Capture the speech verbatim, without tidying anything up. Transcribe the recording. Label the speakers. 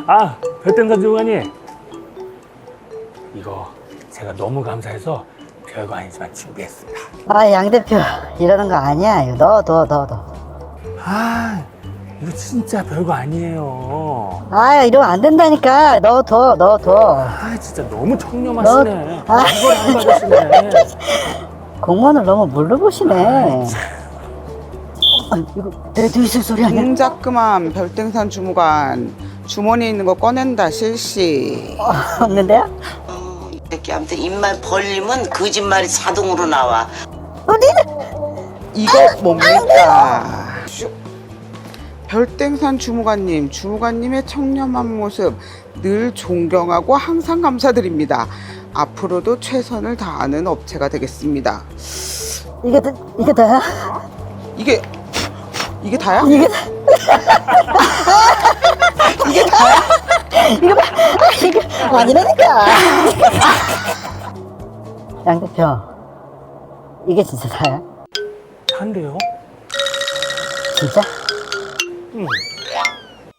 Speaker 1: 아, 별땡선 주무관님. 이거 제가 너무 감사해서 별거 아니지만 준비했습니다.
Speaker 2: 아, 양 대표 이러는 거 아니야. 이거 넣어, 넣어, 넣어, 넣어.
Speaker 1: 아, 이거 진짜 별거 아니에요.
Speaker 2: 아, 이러면 안 된다니까. 넣어둬, 넣어둬.
Speaker 1: 아, 진짜 너무 청렴하시네.
Speaker 2: 너- 아.
Speaker 1: 이걸 안 받으시네.
Speaker 2: 공무원을 너무 몰라보시네. 아, 이거 내도 있을 소리 아니야?
Speaker 3: 동작 그만 별등산 주무관 주머니에 있는 거 꺼낸다 실시.
Speaker 2: 어, 없는데요?
Speaker 4: 이렇게 아무튼 입만 벌리면 거짓말이 자동으로 나와.
Speaker 2: 어디는?
Speaker 3: 이거 뭡니까? 슉. 별땡산 주무관님, 주무관님의 청렴한 모습 늘 존경하고 항상 감사드립니다. 앞으로도 최선을 다하는 업체가 되겠습니다.
Speaker 2: 이게, 다- 이게 다야?
Speaker 3: 이게 이게 다야?
Speaker 2: 이게 다
Speaker 3: 이게 다야?
Speaker 2: 이거 봐. 아, 이거 아니라니까. 양 대표, 이게 진짜 다야?
Speaker 1: 한데요?
Speaker 2: 진짜?
Speaker 1: 응.